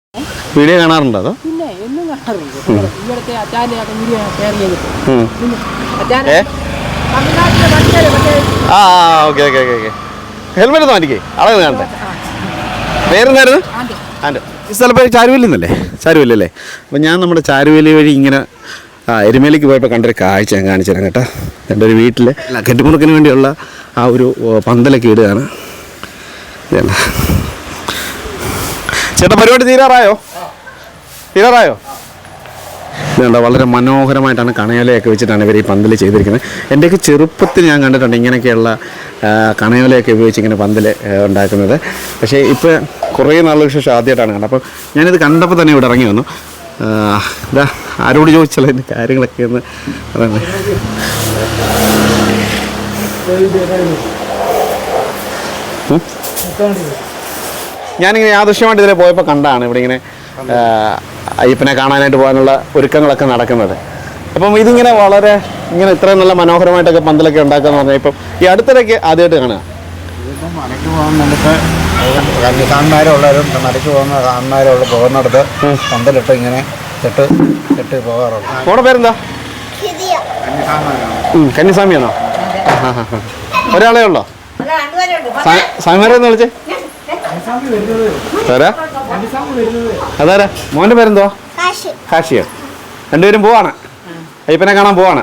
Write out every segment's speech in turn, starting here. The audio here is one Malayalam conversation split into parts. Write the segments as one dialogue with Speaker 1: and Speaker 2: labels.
Speaker 1: വീഡിയോ കാണാറുണ്ടോ അതോ?
Speaker 2: പിന്നെ എന്നും കാണാറുണ്ട്. ഇവിടുത്തെ അച്ചാൻ്റെ വീഡിയോ ഷെയർ ചെയ്തിട്ട്
Speaker 1: okay okay okay okay. Helmet ഒന്ന് മാറ്റിക്കേ, അളവ് കാണട്ടെ. പേരെന്തായിരുന്നു? ആൻഡ്. ഈ സ്ഥലം പേര് ചാരുവേലി എന്നല്ലേ? ചാരുവേലി അല്ലേ? അപ്പം ഞാൻ നമ്മുടെ ചാരുവേലി വഴി ഇങ്ങനെ എരുമേലിക്ക് പോയപ്പോൾ കണ്ടൊരു കാഴ്ച ഞാൻ കാണിച്ചു തരാം കേട്ടോ. എൻ്റെ ഒരു വീട്ടിൽ കെട്ടിമുറുക്കിന് വേണ്ടിയുള്ള ആ ഒരു പന്തലൊക്കെ ഇടുകയാണ്. ഇതല്ല ചേട്ടാ, പരിപാടി തീരാറായോ? ഇതുണ്ട്, വളരെ മനോഹരമായിട്ടാണ് കണയോലയൊക്കെ വെച്ചിട്ടാണ് ഇവർ ഈ പന്തൽ ചെയ്തിരിക്കുന്നത്. എൻ്റെയൊക്കെ ചെറുപ്പത്തിൽ ഞാൻ കണ്ടിട്ടുണ്ട് ഇങ്ങനെയൊക്കെയുള്ള കണയോലയൊക്കെ ഉപയോഗിച്ച് ഇങ്ങനെ പന്തൽ ഉണ്ടാക്കുന്നത്. പക്ഷേ ഇപ്പോൾ കുറേ നാളുകൾക്ക് ശേഷം ആദ്യമായിട്ടാണ് കണ്ടത്. അപ്പോൾ ഞാനിത് കണ്ടപ്പോൾ തന്നെ ഇവിടെ ഇറങ്ങി വന്നു. ഇതാ ആരോട് ചോദിച്ചാലോ ഇതിൻ്റെ കാര്യങ്ങളൊക്കെ ഒന്ന് പറയുന്നത്. ഞാനിങ്ങനെ യാദൃശ്യമായിട്ട് ഇതിലെ പോയപ്പോൾ കണ്ടാണ് ഇവിടെ ഇങ്ങനെ അയ്യപ്പനെ കാണാനായിട്ട് പോകാനുള്ള ഒരുക്കങ്ങളൊക്കെ നടക്കുന്നത്. അപ്പം ഇതിങ്ങനെ വളരെ ഇങ്ങനെ ഇത്രയും നല്ല മനോഹരമായിട്ടൊക്കെ പന്തലൊക്കെ ഉണ്ടാക്കാന്ന് പറഞ്ഞാൽ ഇപ്പം ഈ അടുത്തിടയ്ക്ക് ആദ്യമായിട്ട് കാണുക.
Speaker 3: മലയ്ക്ക് പോകാൻ നമുക്ക് കന്യസാന്മാരുള്ളവരും മലയ്ക്ക് പോകുന്നിടത്ത് പന്തലിട്ട് ഇങ്ങനെ ചെട്ട് പോകാറുണ്ട്.
Speaker 1: മോടെ പേരെന്താ? കന്യസ്വാമിയാണോ? ഒരാളേ ഉള്ളോ? സ്വാമിമാരെന്ന് വിളിച്ചേ. അതാരാ? മോൻ്റെ പേരെന്തോ? ഹാഷിയോ. രണ്ടുപേരും പോവാണ്, അയ്യപ്പനെ കാണാൻ പോവാണ്.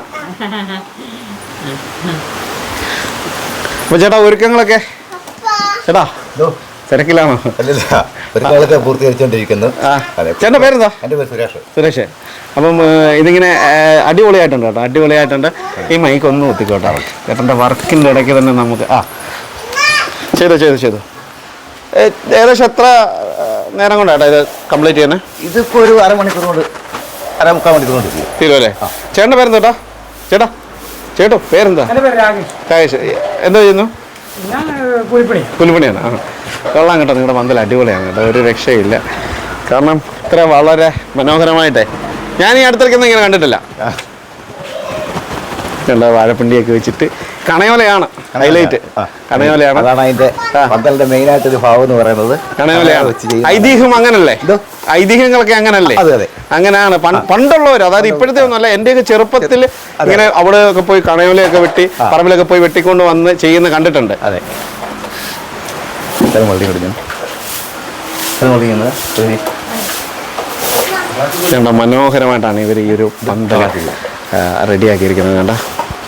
Speaker 1: അപ്പൊ ചേട്ടാ ഒരുക്കങ്ങളൊക്കെ ചേട്ടാ തിരക്കിലാണോ?
Speaker 3: പൂർത്തീകരിച്ചുകൊണ്ടിരിക്കുന്നു.
Speaker 1: ചേട്ടൻ്റെ പേരെന്താ?
Speaker 3: എൻ്റെ പേര്
Speaker 1: സുരേഷ്. അപ്പം ഇതിങ്ങനെ അടിപൊളിയായിട്ടുണ്ട് കേട്ടോ, അടിപൊളിയായിട്ടുണ്ട്. ഈ മൈക്ക് ഒന്ന് ഒത്തിക്കോട്ടെ. ചേട്ടൻ്റെ വർക്കിൻ്റെ ഇടയ്ക്ക് തന്നെ നമുക്ക് ചെയ്തു ഏകദേശം എത്ര നേരം കൊണ്ടാട്ടോ ഇത് കംപ്ലീറ്റ് ചെയ്യുന്നത്?
Speaker 3: ഇതിപ്പോൾ ഒരു മുക്കാൽ മണിക്കൂർ കൊണ്ട്
Speaker 1: തീരുമല്ലേ? ചേട്ടൻ്റെ പേരെന്താ? ചേട്ടോ പേരെന്താ? രാകേഷ്. എന്താ ചെയ്യുന്നു? പുലിപ്പണിയാണ്. കൊള്ളാം കേട്ടോ, നിങ്ങളുടെ പന്തൽ അടിപൊളിയാണ് കേട്ടോ, ഒരു രക്ഷയില്ല. കാരണം ഇത്ര വളരെ മനോഹരമായിട്ടേ ഞാൻ ഈ അടുത്തിടയ്ക്കൊന്നും ഇങ്ങനെ കണ്ടിട്ടില്ല. വാഴപ്പിണ്ടിയൊക്കെ വെച്ചിട്ട് കണയോലയാണ് ഹൈലൈറ്റ്. കണയോലയാണ്,
Speaker 3: അതാണ് അതിന്റെ പന്തലിന്റെ മെയിൻ ആയിട്ടൊരു ഭാവം എന്ന് പറയുന്നത്.
Speaker 1: കണയോലയാണ്. ഐതിഹ്യം അങ്ങനല്ലേ? ഐതിഹ്യങ്ങളൊക്കെ അങ്ങനല്ലേ? അങ്ങനെയാണ് പണ്ടുള്ളവർ, അതായത് ഇപ്പോഴത്തെ ഒന്നുമല്ല. എന്റെയൊക്കെ ചെറുപ്പത്തിൽ ഇങ്ങനെ അവിടെ ഒക്കെ പോയി കണയോലയൊക്കെ വെട്ടി പറമ്പിലൊക്കെ പോയി വെട്ടിക്കൊണ്ട് വന്ന് ചെയ്യുന്ന കണ്ടിട്ടുണ്ട്.
Speaker 3: അതെ.
Speaker 1: മനോഹരമായിട്ടാണ് ഇവർ ഈ ഒരു പന്തൽ റെഡിയാക്കിയിരിക്കുന്നത്. കണ്ട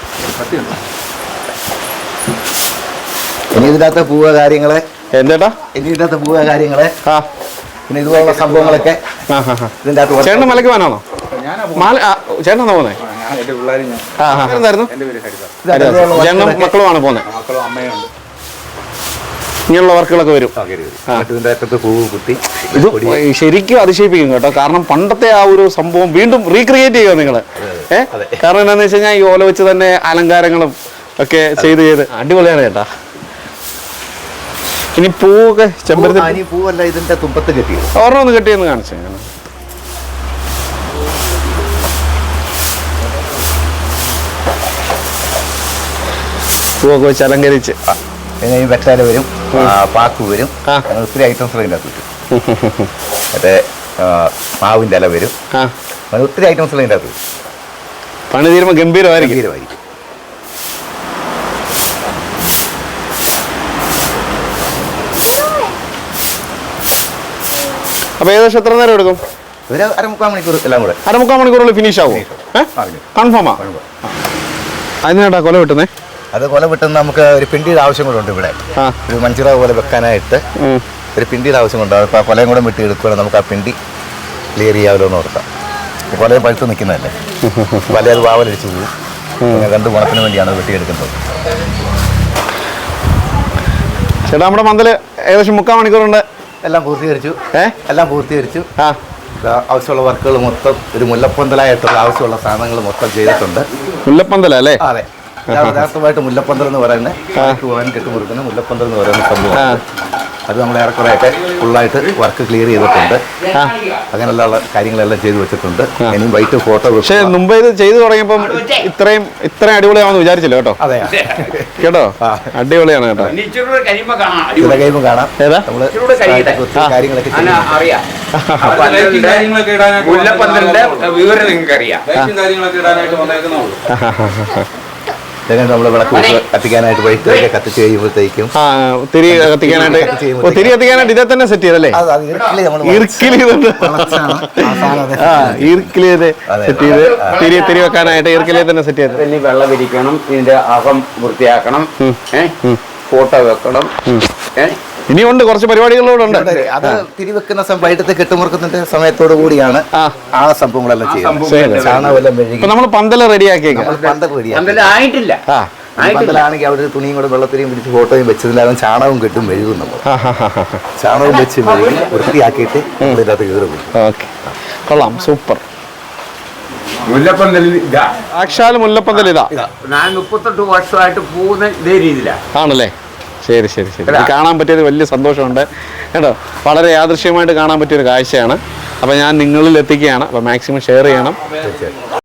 Speaker 3: ഇനി ഇതിനകത്ത് പൂവ കാര്യങ്ങളെ
Speaker 1: എന്തേട്ടാ
Speaker 3: പിന്നെ ഇതുപോലുള്ള സംഭവങ്ങളൊക്കെ ഇതിൻ്റെ അകത്ത്.
Speaker 1: ചേട്ടൻ മലയ്ക്ക് പോകാനാണോ? ചേട്ടനാണോ പോകുന്നത്? ചേട്ടനും മക്കളുമാണ് പോകുന്നത്. ഇങ്ങനെയുള്ള വർക്കുകളൊക്കെ വരും. ഇത് ശരിക്കും അതിശയിപ്പിക്കും കേട്ടോ. കാരണം പണ്ടത്തെ ആ ഒരു സംഭവം വീണ്ടും റീക്രിയേറ്റ് ചെയ്യുക നിങ്ങൾ. കാരണം എന്താണെന്ന് വെച്ച് കഴിഞ്ഞാൽ ഈ ഓല വെച്ച് തന്നെ അലങ്കാരങ്ങളും ഒക്കെ ചെയ്ത് അടിപൊളിയാണ് കേട്ടാ. ഇനി പൂവൊക്കെ ചെമ്പരത്തി
Speaker 3: പൂവല്ല, ഇതിന്റെ തുമ്പത്ത് കെട്ടി
Speaker 1: ഒരെണ്ണം ഒന്ന് കെട്ടിയെന്ന് കാണിച്ചു. പൂവൊക്കെ വെച്ച് അലങ്കരിച്ച്
Speaker 3: പിന്നെ ഈ വെറ്റാല വരും, പാക്ക് വരും, ഒത്തിരി ഐറ്റംസ് അതിൻ്റെ അകത്ത് വരും. മറ്റേ മാവിൻ്റെ ഇല വരും, ഒത്തിരി ഐറ്റംസ് അതിൻ്റെ അകത്ത് വരും.
Speaker 1: പണി തീരുമ്പോൾ ഗംഭീരമായിരിക്കും. അപ്പൊ ഏകദേശം എത്ര നേരം എടുക്കും?
Speaker 3: ഒരു അരമുക്കാൽ മണിക്കൂർ എല്ലാം കൂടെ.
Speaker 1: അരമുക്കാൽ മണിക്കൂറുള്ളിൽ ഫിനിഷ് ആവും. കൺഫേമാ? അതിനാട്ടാ കൊല വെട്ടുന്നേ?
Speaker 3: അത് കൊല വെട്ടുന്ന നമുക്ക് ഒരു പിണ്ടിയുടെ ആവശ്യം കൂടെ ഉണ്ട് ഇവിടെ. ഒരു മഞ്ചിറ പോലെ വെക്കാനായിട്ട് ഒരു പിണ്ടിയുടെ ആവശ്യം കൊണ്ട് അപ്പോൾ കൊലയും കൂടെ വെട്ടി എടുക്കുകയാണെങ്കിൽ നമുക്ക് ആ പിണ്ടി ക്ലിയർ ചെയ്യാമല്ലോ എന്ന് ഓർക്കാം. കൊലയും പഴുത്ത് നിൽക്കുന്നതല്ലേ, പല അത് വാവലടിച്ച് പോകും. രണ്ട് ഗുണത്തിന് വേണ്ടിയാണ് വെട്ടിയെടുക്കുന്നത്.
Speaker 1: ചേട്ടാ, നമ്മുടെ പന്തൽ ഏകദേശം 3/4 മണിക്കൂറുണ്ട്.
Speaker 3: എല്ലാം പൂർത്തീകരിച്ചു. ആവശ്യമുള്ള വർക്കുകൾ മൊത്തം ഒരു മുല്ലപ്പന്തലായിട്ടുള്ള ആവശ്യമുള്ള സാധനങ്ങൾ മൊത്തം ചെയ്തിട്ടുണ്ട്.
Speaker 1: മുല്ലപ്പന്തലല്ലേ?
Speaker 3: അതെ, യഥാർത്ഥമായിട്ട് മുല്ലപ്പന്തൽ എന്ന് പറയുന്നത് പോകാൻ കെട്ടുമുറുക്കുന്ന മുല്ലപ്പന്തൽ എന്ന് പറയുന്ന സംഭവം. അത് നമ്മൾ ഏറെക്കുറെയൊക്കെ ഫുള്ളായിട്ട് വർക്ക് ക്ലിയർ ചെയ്തിട്ടുണ്ട്. അങ്ങനെയുള്ള കാര്യങ്ങളെല്ലാം ചെയ്തു വെച്ചിട്ടുണ്ട്. ഇനിയും വൈറ്റ് ഫോട്ടോ.
Speaker 1: പക്ഷേ മുമ്പ് ഇത് ചെയ്തു തുടങ്ങിയപ്പം ഇത്രയും അടിപൊളിയാണെന്ന് വിചാരിച്ചില്ല കേട്ടോ.
Speaker 3: അതെ
Speaker 1: കേട്ടോ, അടിപൊളിയാണ് കേട്ടോ.
Speaker 3: കഴിയുമ്പോൾ കാണാം.
Speaker 1: ഏതാ
Speaker 3: നമ്മള് കാര്യങ്ങളൊക്കെ
Speaker 4: അറിയാം. വിവരം നിങ്ങൾക്ക് അറിയാം.
Speaker 3: നമ്മള് വിളക്ക് കത്തിക്കാനായിട്ട് വൈറ്റ് കത്തിച്ച് കഴിയുമ്പോഴത്തേക്കും
Speaker 1: തിരി കത്തിക്കാനായിട്ട് ഇതേ തന്നെ സെറ്റ് ചെയ്തല്ലേ? സെറ്റ് ചെയ്ത് തിരി വെക്കാനായിട്ട് ഈർക്കിലേ തന്നെ സെറ്റ് ചെയ്ത്.
Speaker 4: ഇനി വെള്ളം വിരിക്കണം, ഇതിന്റെ അകം വൃത്തിയാക്കണം, ഫോട്ടോ വെക്കണം.
Speaker 1: ഇനിയുണ്ട് കുറച്ച് പരിപാടികളോട് ഉണ്ട്.
Speaker 3: അത് തിരിവെക്കുന്ന വൈകിട്ടത്തെ കെട്ടുമുറുക്കത്തിന്റെ സമയത്തോടു കൂടിയാണ് ആ സംഭവങ്ങളെല്ലാം ചെയ്യുന്നത്. ചാണകമെല്ലാം മെഴുകി
Speaker 1: നമ്മൾ പന്തല് റെഡിയാക്കിയേക്കാം.
Speaker 3: പന്തൽ റെഡിയാക്കി
Speaker 4: ആയിട്ടില്ല.
Speaker 3: പന്തലാണെങ്കിൽ അവിടെ ഒരു തുണിയും കൂടെ വെള്ളത്തിലും പിടിച്ച് ഫോട്ടോയും വെച്ചതിലാകും ചാണകവും കെട്ടും മെഴുകും. നമ്മൾ ചാണകവും വെച്ച് മെഴുകി വൃത്തിയാക്കിയിട്ട് ഇതിനകത്ത് കയറി പോകും.
Speaker 1: ഓക്കെ, കൊള്ളാം, സൂപ്പർ.
Speaker 4: മുല്ലപ്പന്തലിൽ ഇതാ,
Speaker 1: സാക്ഷാൽ മുല്ലപ്പന്തൽ ഇതാ.
Speaker 4: ഞാൻ 38 വർഷമായിട്ട് പോകുന്ന ഇതേ രീതിയിലാണ്.
Speaker 1: ആണല്ലേ? ശരി ശരി ശരി. ഇത് കാണാൻ പറ്റിയത് വലിയ സന്തോഷമുണ്ട് കേട്ടോ. വളരെ യാദൃശ്യമായിട്ട് കാണാൻ പറ്റിയൊരു കാഴ്ചയാണ്. അപ്പോൾ ഞാൻ നിങ്ങളിൽ എത്തിക്കുകയാണ്. അപ്പോൾ മാക്സിമം ഷെയർ ചെയ്യണം.